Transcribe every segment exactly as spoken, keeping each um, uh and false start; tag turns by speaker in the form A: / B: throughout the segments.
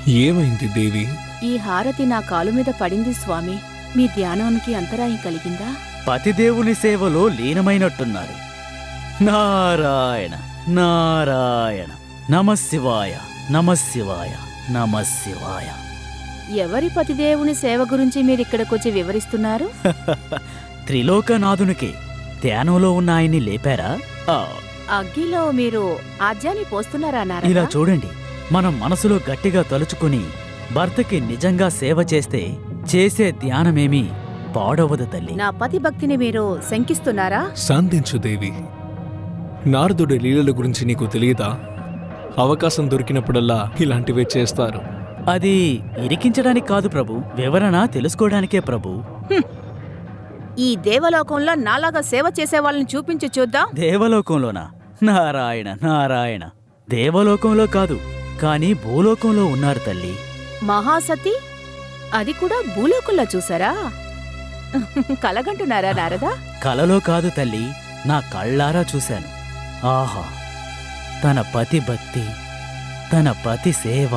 A: ఏమైంది దేవి?
B: ఈ హారతి నా కాలు మీద పడింది స్వామి. మీ ధ్యానానికి అంతరాయం కలిగిందా?
C: పతిదేవుని సేవలో లీనమైనట్టున్నారు. నారాయణ నారాయణ నమశివాయ నమశివాయ నమశివాయ.
B: ఎవరి పతిదేవుని సేవ గురించి మీరిక్కడికొచ్చి వివరిస్తున్నారు?
C: త్రిలోకనాథునికి ధ్యానంలో ఉన్న ఆయన్ని లేపారా? ఆ,
B: అగ్గిలో మీరు ఆజ్యాన్ని పోస్తున్నారా
C: ఇలా
B: నారదా?
C: చూడండి, మనం మనసులో గట్టిగా తలుచుకుని భర్తకి నిజంగా సేవ చేస్తే చేసే ధ్యానమేమీ పాడవదు తల్లి.
B: నా పతి భక్తిని మీరు శంకిస్తున్నారా?
A: శాంతించు దేవి. నారదుడి లీలల గురించి నీకు తెలియదా? అవకాశం దొరికినప్పుడల్లా ఇలాంటివే చేస్తారు.
C: అది ఇరికించడానికి కాదు ప్రభు, వివరణ తెలుసుకోవడానికే ప్రభు.
B: ఈ దేవలోకంలో నాలాగా సేవ చేసే వాళ్ళని చూపించి చూద్దాం.
C: దేవలోకంలోనా? నారాయణ నారాయణ. దేవలోకంలో కాదు, కానీ భూలోకంలో ఉన్నారు తల్లి.
B: మహాసతి అది కూడా భూలోకంలో చూసారా? కలగంటున్నారా నారదా?
C: కలలో కాదు తల్లి, నా కళ్ళారా చూశాను. ఆహా, తన పతి భక్తి, తన పతి సేవ.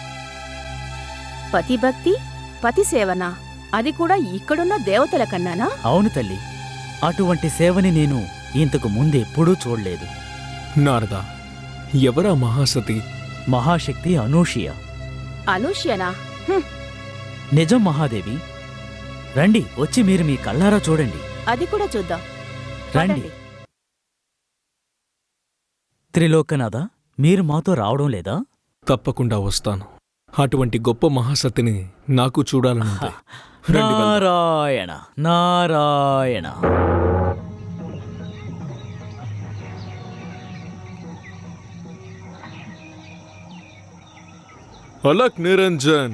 B: పతి భక్తి పతి సేవనా? అది కూడా ఇక్కడున్న దేవతల కన్నానా?
C: అవును తల్లి, అటువంటి సేవని నేను ఇంతకు ముందెప్పుడూ చూడలేదు.
A: నారదా, ఎవరా మహాసతి?
C: మహాశక్తి అనూషియ.
B: అనూష్యనా? హ్మ్,
C: నిజం మహాదేవి. రండి, వచ్చి మీరు మీ కళ్ళారా చూడండి.
B: అది కూడా చూద్దాం.
C: రండి.
B: పదండి.
C: త్రిలోకనాథ, మీరు మాతో రావడం లేదా?
A: తప్పకుండా వస్తాను. అటువంటి గొప్ప మహాసతిని నాకు చూడాలనుంది. రండి వెళ్దాం.
C: నారాయణ నారాయణ.
A: అలక్ నిరంజన్,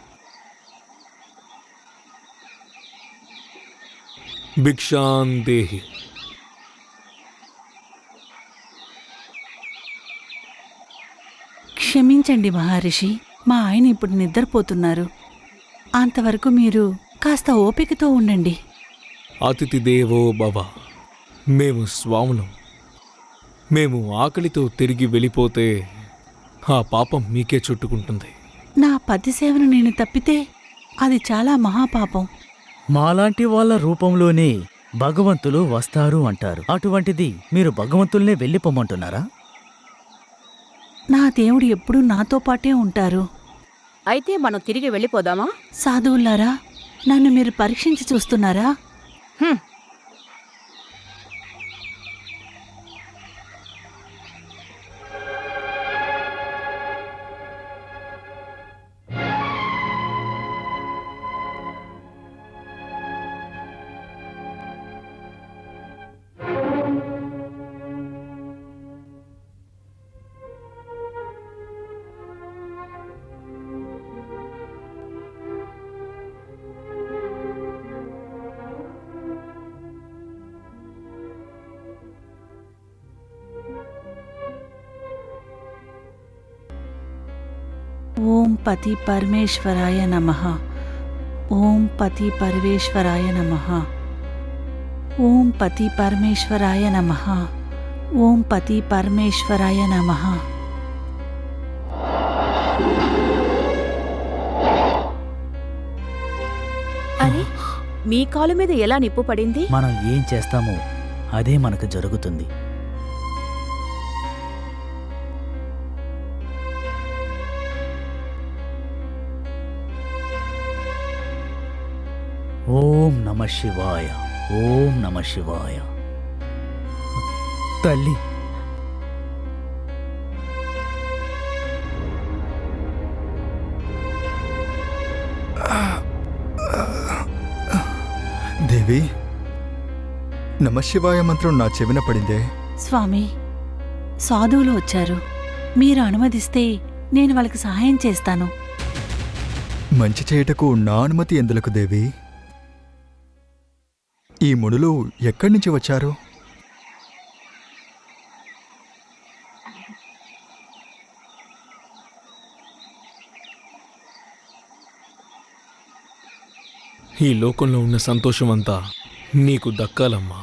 A: భిక్షాన్ దేహి.
D: క్షమించండి మహర్షి, మా ఆయన ఇప్పుడు నిద్రపోతున్నారు. అంతవరకు మీరు కాస్త ఓపికతో ఉండండి.
A: అతిథి దేవో భవ. మేము స్వాములం. మేము ఆకలితో తిరిగి వెళ్ళిపోతే ఆ పాపం మీకే చుట్టుకుంటుంది.
D: నా పతి సేవను నేను తప్పితే అది చాలా మహాపాపం.
C: మాలాంటి వాళ్ళ రూపంలోనే భగవంతులు వస్తారు అంటారు. అటువంటిది మీరు భగవంతుల్నే వెళ్ళిపోమంటున్నారా?
D: నా దేవుడు ఎప్పుడూ నాతో పాటే ఉంటారు.
B: అయితే మనం తిరిగి వెళ్ళిపోదామా?
D: సాధువులారా, నన్ను మీరు పరీక్షించి చూస్తున్నారా?
B: హ్మ్.
D: ఓం పతి పరమేశ్వరాయ నమః. ఓం పతి పరమేశ్వరాయ నమః. ఓం పతి పరమేశ్వరాయ నమః. ఓం పతి పరమేశ్వరాయ నమః.
B: అరే, మీ కాలు మీద ఎలా నిప్పు పడింది?
C: మనం ఏం చేస్తామో అదే మనకు జరుగుతుంది. ఓం నమ శివాయ. ఓం నమ శివాయ. తల్లి,
E: దేవి, నమశివాయ మంత్రం నా చెవిన పడిందే.
D: స్వామి, సాధువులు వచ్చారు. మీరు అనుమతిస్తే నేను వాళ్ళకి సహాయం చేస్తాను.
E: మంచి చేయుటకు నా అనుమతి ఎందులకు దేవి? ఈ మునులు ఎక్కడి నుంచి వచ్చారు?
A: ఈ లోకంలో ఉన్న సంతోషమంతా నీకు దక్కాలమ్మా.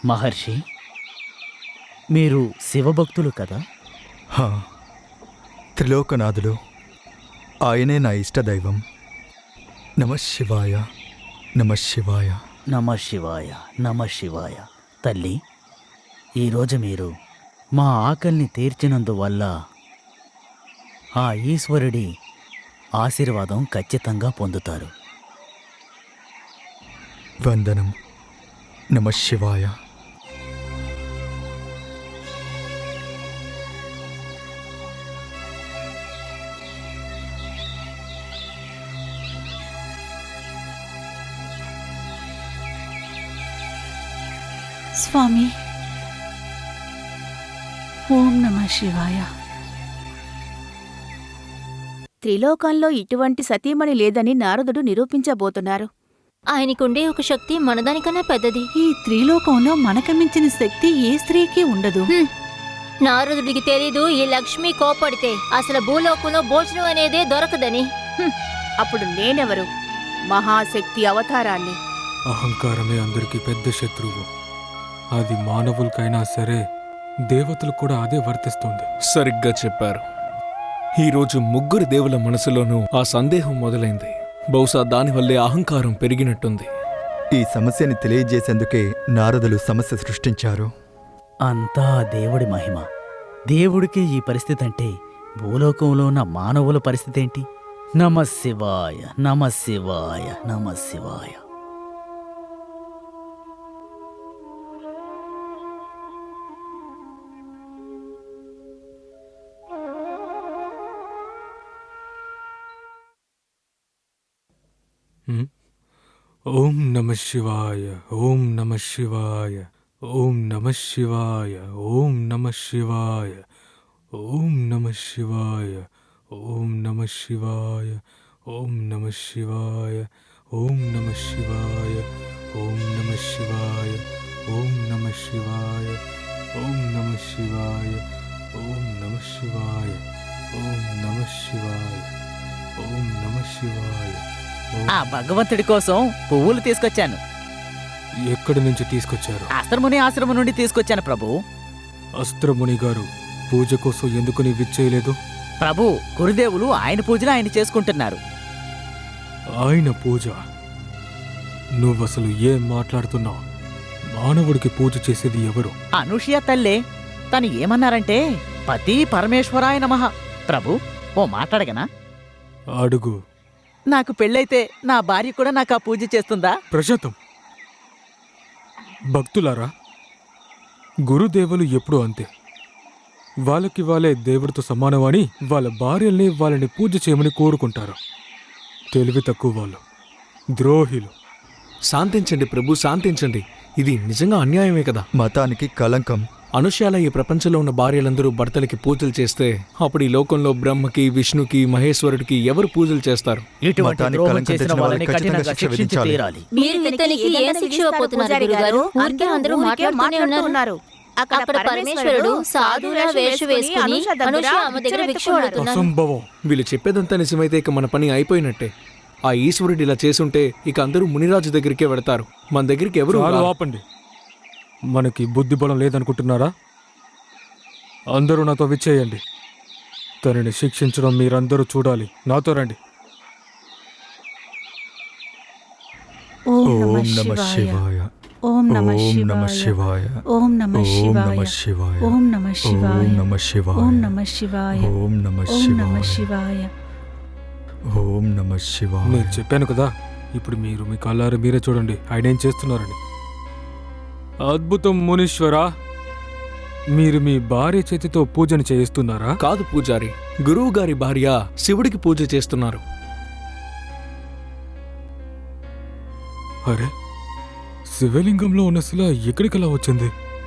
C: మహర్షి, మీరు శివభక్తులు కదా?
E: హా, త్రిలోకనాథుడు, ఆయనే నా ఇష్టదైవం. నమ శివాయ, నమ శివాయ.
C: నమ శివాయ, నమ శివాయ. తల్లి, ఈరోజు మీరు మా ఆకలిని తీర్చినందువల్ల ఆ ఈశ్వరుడి ఆశీర్వాదం ఖచ్చితంగా పొందుతారు.
E: వందనం. నమ శివాయ.
D: స్వామి, ఓం నమ శివాయ.
B: త్రిలోకంలో ఇటువంటి సతీమణి లేదని నారదుడు నిరూపించబోతున్నారు.
F: ఆయనకుండే ఒక శక్తి మనదానికన్నా పెద్దది.
D: ఈ త్రిలోకంలో మనకు మించిన శక్తి ఏ స్త్రీకి ఉండదు.
F: హ్మ్. నారదుడికి తెలీదు ఈ లక్ష్మి కోపడితే అసలు భూలోకంలో భోజనం అనేదే దొరకదని.
B: హ్మ్. అప్పుడు నేనెవరు? మహాశక్తి అవతారాన్ని.
A: అహంకారమే అందరికీ పెద్ద శత్రువు. అది మానవులకైనా సరే, దేవతలు కూడా అదే వర్తిస్తుంది. సరిగ్గా చెప్పారు. ఈరోజు ముగ్గురు దేవుల మనసులోనూ ఆ సందేహం మొదలైంది. బహుశా దానివల్లే అహంకారం పెరిగినట్టుంది.
E: ఈ సమస్యని తెలియజేసేందుకే నారదులు సమస్య సృష్టించారు.
C: అంతా దేవుడి మహిమ. దేవుడికి ఈ పరిస్థితి అంటే భూలోకంలో ఉన్న మానవుల పరిస్థితి ఏంటి? నమ శివాయ, నమ శివాయ, నమ శివాయ.
A: ఓం నమ శివాయ, ఓం నమ శివాయ, ఓం నమ శివాయ, ఓం నమ శివాయ, ఓం నమ శివాయ, ఓం నమ శివాయ, ఓం నమ శివాయ, ఓం నమ శివాయ, ఓం నమ శివాయ, ఓం నమ శివాయ, ఓం నమ శివాయ, ఓం నమ శివాయ, ఓం నమ శివాయ, ఓం నమ శివాయ.
C: ఆ భగవంతుడి కోసం పువ్వులు తీసుకొచ్చాను.
A: ఎక్కడి నుంచి తీసుకొచ్చారు?
C: అస్త్రముని ఆశ్రమం నుండి తీసుకొచ్చాను ప్రభు.
A: అస్త్రముని గారు పూజ కోసం ఎందుకు నీ విచ్చేయలేదు?
C: ప్రభు, గురుదేవులు ఆయన పూజలు ఆయన చేసుకుంటున్నారు.
A: ఆయన పూజ? నువ్వసలు ఏం మాట్లాడుతున్నావు? మానవుడికి పూజ చేసేది ఎవరు?
C: అనూషియా తల్లే. తను ఏమన్నారంటే పతి పరమేశ్వరాయ నమః. ప్రభు, ఓ మాట్లాడగనా?
A: అడుగు.
C: నాకు పెళ్ళైతే నా భార్య కూడా నాకు ఆ పూజ చేస్తుందా?
A: ప్రశాంతం. భక్తులారా, గురుదేవులు ఎప్పుడూ అంతే. వాళ్ళకి వాళ్ళే దేవుడితో సమానమని వాళ్ళ భార్యల్ని వాళ్ళని పూజ చేయమని కోరుకుంటారు. తెలివి తక్కువ వాళ్ళు, ద్రోహిలు. శాంతించండి ప్రభు, శాంతించండి. ఇది నిజంగా అన్యాయమే కదా.
E: మతానికి కలంకం.
A: అనుష్యాల ఈ ప్రపంచంలో ఉన్న భార్యలందరూ భర్తలకి పూజలు చేస్తే అప్పుడు ఈ లోకంలో బ్రహ్మకి, విష్ణుకి, మహేశ్వరుడికి ఎవరు పూజలు చేస్తారు?
C: ఇటువంటి
E: మతానికి
C: ద్రోహం
E: కళంకం
C: చేసిన
E: తెచ్చిన
C: వాళ్ళని
E: వాళ్ళని ఖచ్చితంగా
C: కఠినంగా
E: శిక్ష
C: శిక్షించి
E: విధించాలి.
C: తీరాలి.
F: మీరు ఇతనికి ఏం శిక్ష ఇవ్వబోతున్నారు గురుగారు? ఊరికే అందరూ మాట్లాడుతూనే ఉన్నారు. అక్కడ పరమేశ్వరుడు సాధువుల వేషం వేసుకుని అనుష ఆమె దగ్గర భిక్ష అడుగుతున్నారు.
A: అసంభవం. వీళ్ళు చెప్పేదంతా నిజమైతే ఇక మన పని అయిపోయినట్టే. ఆ ఈశ్వరుడు ఇలా చేసుంటే ఇక అందరూ మునిరాజు దగ్గరికే వెడతారు. మన దగ్గరికి ఎవరు ఆపండి. మనకి బుద్ధి బలం లేదనుకుంటున్నారా? అందరూ నాతో విచ్చేయండి. తనని శిక్షించడం మీరందరూ చూడాలి. నాతో రండి.
D: ఓం
E: ఓం
D: నమ
E: నమ
D: శివాయ.
E: శివాయ.
D: ఓం నమ
E: ఓం నమ
D: శివాయ.
E: శివాయ.
D: ఓం నమ
E: ఓం నమ
D: శివాయ.
E: శివాయ.
D: ఓం నమ శివాయ.
E: ఓం నమ శివాయ.
D: ఓం నమ శివాయ.
E: ఓం నమ
D: ఓం నమ
E: శివాయ.
D: శివాయ.
E: ఓం నమ శివాయ.
A: నేను చెప్పాను కదా, ఇప్పుడు మీరు మీ కళ్ళారా మీరే చూడండి ఆయన ఏం చేస్తున్నారని. అద్భుతం మునీశ్వరా. మీరు మీ భార్య చేతితో పూజను చేయిస్తున్నారా? కాదు పూజారి, గురువు గారి భార్య శివుడికి పూజ చేస్తున్నారు. అరే, శివలింగంలో ఉన్న శిల ఎక్కడికలా వచ్చింది?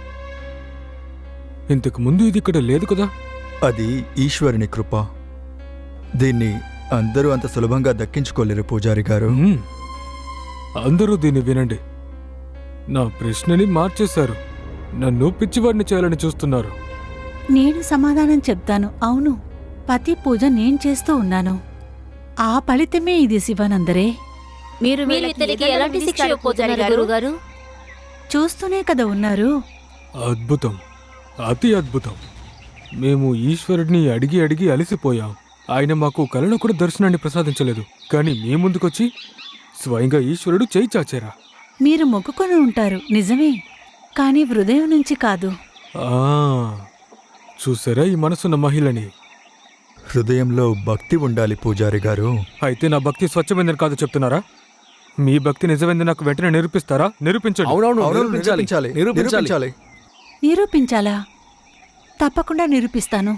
A: ఇంతకు ముందు ఇది ఇక్కడ లేదు కదా.
E: అది ఈశ్వరుని కృప. దీన్ని అందరూ అంత సులభంగా దక్కించుకోలేరు పూజారి గారు.
A: మ్మ్. అందరూ దీన్ని వినండి. నా ప్రశ్నని మార్చేశారు. నన్ను పిచ్చివాడిని చేయాలని చూస్తున్నారు.
D: నేను సమాధానం చెప్తాను. అవును, పతి పూజ నేను చేస్తూ ఉన్నాను. ఆ ఫలితమే ఇది శివనందరే.
B: మీరు
F: మీరు
B: వీళ్ళకి
F: ఇతనికి
B: ఏ దండం
F: ఎలాంటి శిక్ష
B: విధిస్తారు పూజారి
F: ఇవ్వబోతున్నారు
B: గారు?
F: గురుగారు?
D: చూస్తూనే కదా ఉన్నారు.
A: అద్భుతం, అతి అద్భుతం. మేము ఈశ్వరుడిని అడిగి అడిగి అలసిపోయాం. ఆయన మాకు కలలో కూడా దర్శనాన్ని ప్రసాదించలేదు. కానీ మీ ముందుకొచ్చి స్వయంగా ఈశ్వరుడు చేయి చాచారా?
D: మీరు మొక్కుకొని ఉంటారు నిజమే, కానీ హృదయం నుంచి కాదు.
A: ఆ, చూసారా ఈ మనసున్న మహిళని?
E: హృదయంలో భక్తి ఉండాలి పూజారి గారు.
A: అయితే నా భక్తి స్వచ్ఛమైందని కాదు చెప్తున్నారా? మీ భక్తి నిజమైంది నాకు వెంటనే నిరూపిస్తారా? నిరూపించండి.
E: అవును, నిరూపించాలి, నిరూపించాలి.
D: నిరూపించాలా? తప్పకుండా నిరూపిస్తాను.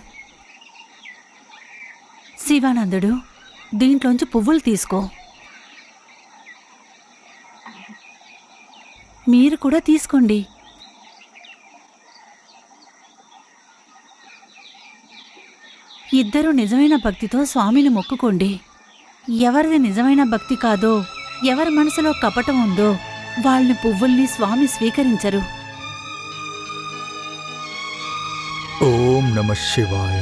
D: శివానందుడు, దీంట్లోంచి పువ్వులు తీసుకో. మీరు కూడా తీసుకోండి. ఇద్దరూ నిజమైన భక్తితో స్వామిని మొక్కుకోండి. ఎవరిది నిజమైన భక్తి కాదో, ఎవరి మనసులో కపటం ఉందో వాళ్ళని పువ్వుల్ని స్వామి స్వీకరించరు.
E: ఓం నమః శివాయ.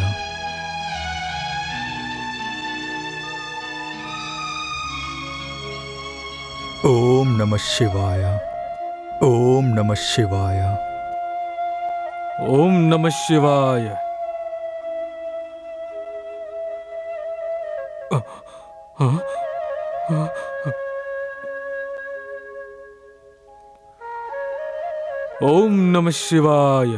E: ఓం నమః శివాయ. ఓం నమః శివాయ.
A: ఓం నమః శివాయ. ఓం నమః శివాయ.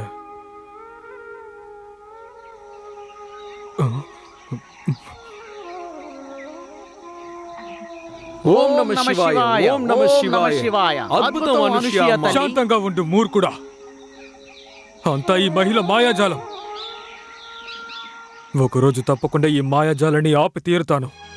G: ఓం నమః శివాయ. ఓం నమః శివాయ.
A: అద్భుతం అనుష్య. శాంతంగా ఉండు మూర్ఖుడా. అంతా ఈ మహిళ మాయాజాలం. ఒకరోజు తప్పకుండా ఈ మాయాజాలని ఆపి తీరుతాను.